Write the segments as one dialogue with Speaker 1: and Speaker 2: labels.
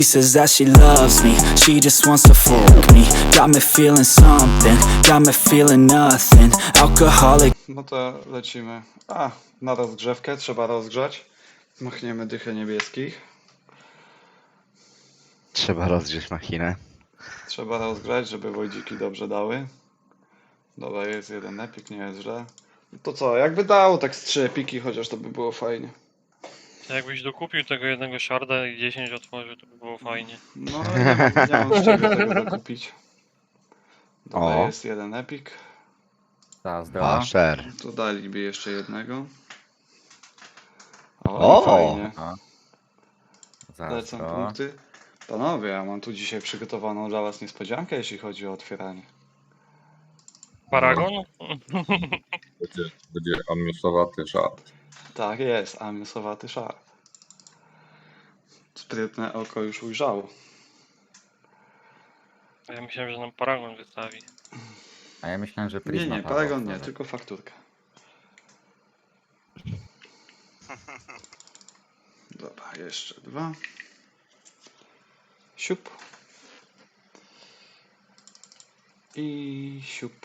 Speaker 1: She says that she loves me, she just wants to fuck me. Got me feeling something, got me feeling nothing. Alcoholic.
Speaker 2: No to lecimy. Na rozgrzewkę trzeba rozgrzać. Machniemy dychę niebieskich.
Speaker 3: Trzeba rozgrzeć machinę.
Speaker 2: Trzeba rozgrzać, żeby wojdziki dobrze dały. Dobra, jest jeden epik, nie jest źle. No to co, jakby dało tak z 3 epiki, chociaż to by było fajnie.
Speaker 4: Jakbyś dokupił tego jednego sharda i 10 otworzył, to by było fajnie.
Speaker 2: No ale nie mam z czego tego dokupić. Dobra,
Speaker 3: O.
Speaker 2: jest jeden epik.
Speaker 5: Zazdro.
Speaker 3: Asher.
Speaker 2: Tu daliby jeszcze jednego.
Speaker 3: O!
Speaker 2: I fajnie. Lecą
Speaker 5: Zazdro.
Speaker 2: punkty. Panowie, ja mam tu dzisiaj przygotowaną dla was niespodziankę, jeśli chodzi o otwieranie.
Speaker 4: Paragon?
Speaker 6: Będzie amiusowaty szat.
Speaker 2: Tak jest, amiusowaty szar. Sprytne oko już ujrzało.
Speaker 4: A ja myślałem, że nam paragon wystawi.
Speaker 5: A ja myślałem, że
Speaker 2: Nie,
Speaker 5: Prisma
Speaker 2: nie,
Speaker 5: Paweł
Speaker 2: paragon nie,
Speaker 5: otworzy.
Speaker 2: tylko fakturka. Dobra, jeszcze dwa. Siup. I siup.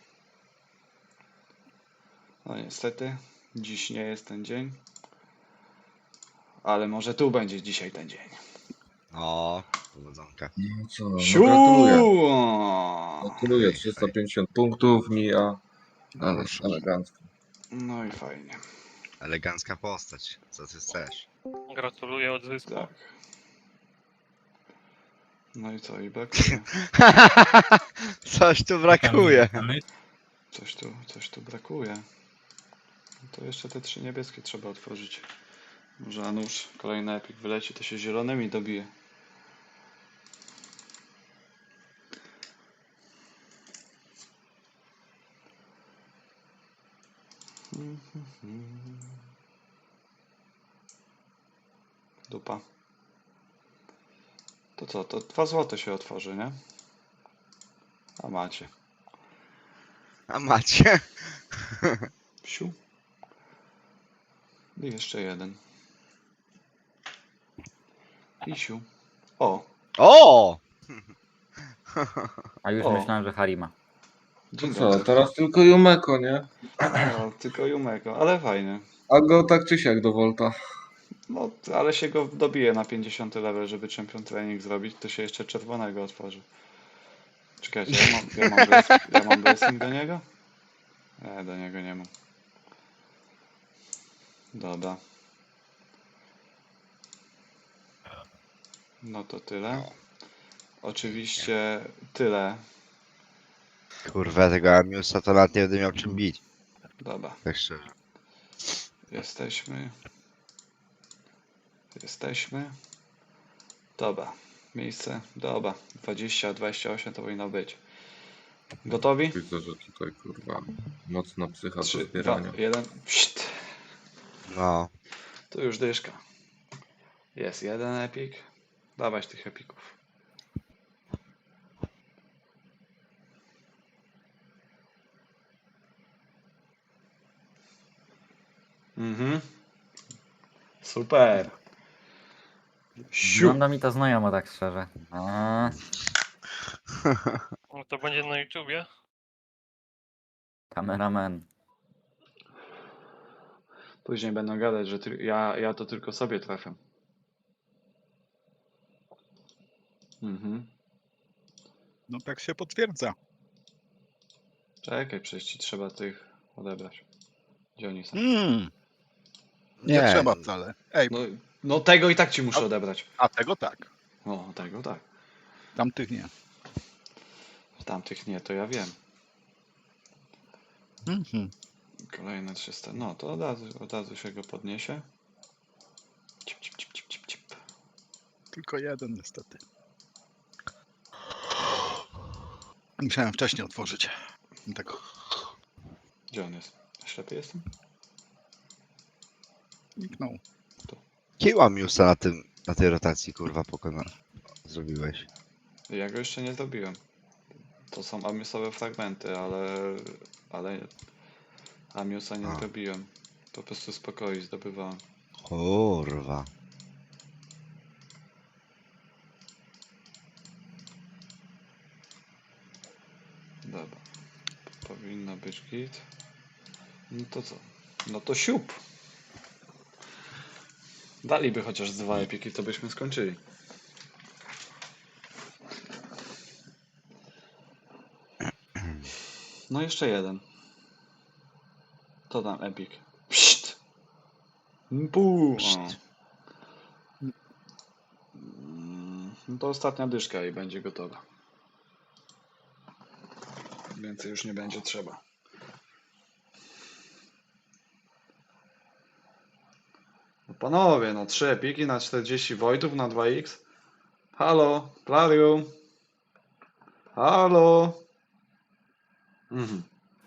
Speaker 2: No niestety, dziś nie jest ten dzień. Ale może tu będzie dzisiaj ten dzień.
Speaker 3: O, powodzonka.
Speaker 6: No co, no
Speaker 2: Siu!
Speaker 6: gratuluję. Gratuluję, 350 punktów mija. Ale
Speaker 3: Proszę.
Speaker 6: elegancko.
Speaker 2: No i fajnie.
Speaker 3: Elegancka postać. Co ty chcesz?
Speaker 4: Gratuluję odzysku.
Speaker 2: Tak. No i co, i brakuje.
Speaker 3: Coś tu brakuje.
Speaker 2: Coś tu brakuje. No to jeszcze te 3 niebieskie trzeba otworzyć. Może a nuż kolejny epik wyleci, to się zielonymi dobije. Dupa. To co, to 2 złote się otworzy, nie? A macie.
Speaker 3: A macie?
Speaker 2: Siu. I jeszcze jeden. I siu. O!
Speaker 3: O!
Speaker 5: A już
Speaker 2: O.
Speaker 5: myślałem, że Harima.
Speaker 2: Dzień
Speaker 6: To
Speaker 2: dobry.
Speaker 6: co, teraz tylko Jumeko, nie?
Speaker 2: No, tylko Jumeko, ale fajny.
Speaker 6: A go tak czy siak do Volta.
Speaker 2: No, ale się go dobije na 50 level, żeby champion training zrobić, to się jeszcze czerwonego otworzy. Czekajcie, ja mam blessing do niego? Nie, do niego nie mam. Dobra. No to tyle. Oczywiście tyle.
Speaker 3: Kurwa, tego Amiusa to nawet nie będę miał czym bić.
Speaker 2: Dobra,
Speaker 3: Tak szczerze.
Speaker 2: jesteśmy. Jesteśmy. Dobra, miejsce. Dobra, 20, 28 to powinno być. Gotowi?
Speaker 6: Widzę, że tutaj kurwa mocna psycha do
Speaker 2: 3, 2,
Speaker 6: zbierania.
Speaker 2: 1. Pszt.
Speaker 3: No.
Speaker 2: Tu już dyszka. Jest jeden epik. Dawać tych epików. Mhm. Super. Siu.
Speaker 5: Wygląda mi to znajomo, tak szczerze.
Speaker 4: No to będzie na YouTubie.
Speaker 5: Kameraman.
Speaker 2: Później będą gadać, że ja to tylko sobie trafię. Mhm.
Speaker 7: No tak się potwierdza.
Speaker 2: Czekaj, przecież ci trzeba tych odebrać. Gdzie oni są?
Speaker 7: Nie
Speaker 3: Nie.
Speaker 7: trzeba wcale. Ej,
Speaker 2: No tego i tak ci muszę odebrać.
Speaker 7: a tego tak.
Speaker 2: O, tego tak.
Speaker 7: Tamtych nie.
Speaker 2: Tamtych nie, to ja wiem.
Speaker 7: Mhm.
Speaker 2: Kolejne 300. No to od razu się go podniesie. Cip, cip, cip, cip, cip, cip.
Speaker 7: Tylko jeden niestety. Musiałem wcześniej otworzyć. Tego.
Speaker 2: Gdzie on jest? Ślepy jestem?
Speaker 7: Zniknął.
Speaker 3: Jakiego Amiusa na tej rotacji, kurwa, zrobiłeś?
Speaker 2: Ja go jeszcze nie zrobiłem. To są amiusowe fragmenty, ale amiusa nie
Speaker 3: A.
Speaker 2: zrobiłem. Po prostu spokojnie zdobywałem.
Speaker 3: Kurwa.
Speaker 2: Dobra. Powinno być git. No to co? No to siup. Daliby chociaż 2 epiki, to byśmy skończyli. No jeszcze jeden. To tam epik. Pszt. Puu. O. No to ostatnia dyszka i będzie gotowa. Więcej już nie będzie trzeba. No panowie, no 3 epiki na 40 Wojtów na 2x. Halo, Plarium. Halo. Mhm.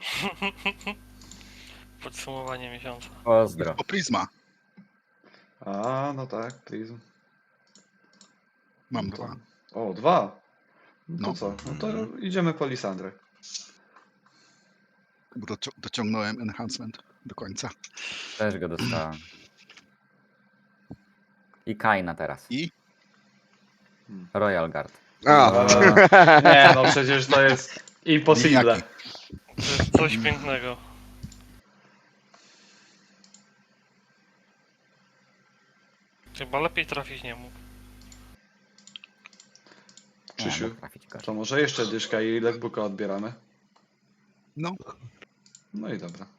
Speaker 4: Podsumowanie miesiąca.
Speaker 5: Pozdro.
Speaker 7: O, Prisma.
Speaker 2: A, no tak, Prism.
Speaker 7: Mam
Speaker 2: No to-
Speaker 7: 2.
Speaker 2: O, 2. No to
Speaker 7: No.
Speaker 2: co? No to idziemy po Lisandrę.
Speaker 7: Bo dociągnąłem enhancement do końca.
Speaker 5: Też go dostałem. I Kaina teraz.
Speaker 7: I
Speaker 5: Royal Guard.
Speaker 3: A,
Speaker 2: Nie, no przecież to jest impossible.
Speaker 7: Liniaki.
Speaker 4: To jest coś pięknego. Chyba lepiej trafić nie mógł.
Speaker 2: Krzysiu,
Speaker 5: mógł trafić gorzej.
Speaker 2: to może jeszcze dyszka i lekbuka odbieramy?
Speaker 7: No,
Speaker 2: No i dobra.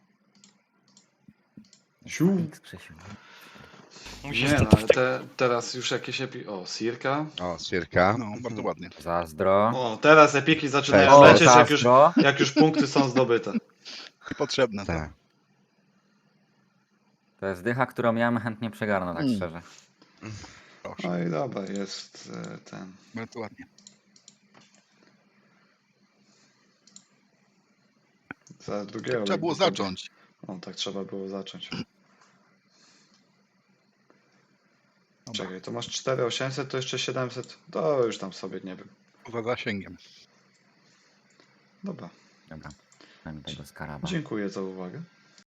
Speaker 5: X, Krzysiu.
Speaker 4: Musisz
Speaker 2: Nie no,
Speaker 4: to
Speaker 2: ale teraz już jakieś O, Sirka.
Speaker 3: o, Sirka.
Speaker 7: no, bardzo ładnie.
Speaker 5: Zazdro.
Speaker 2: O, teraz epiki zaczynają
Speaker 3: O,
Speaker 2: lecieć,
Speaker 5: zazdro.
Speaker 2: jak już punkty są zdobyte.
Speaker 7: Potrzebne to.
Speaker 3: Tak.
Speaker 5: To jest dycha, którą ja bym chętnie przegarnął, tak szczerze.
Speaker 7: Proszę.
Speaker 2: No i dobra, jest ten.
Speaker 7: Bardzo ładnie.
Speaker 2: Za drugiego.
Speaker 7: Trzeba było
Speaker 2: lekbuka.
Speaker 7: zacząć.
Speaker 2: O, tak trzeba było zacząć.
Speaker 7: Dobra.
Speaker 2: Czekaj, to masz 4800, to jeszcze 700. To już tam sobie nie wiem.
Speaker 7: Poza zasięgiem.
Speaker 2: Dobra.
Speaker 5: Dobra. Mamy tego skaraba.
Speaker 2: Dziękuję za uwagę.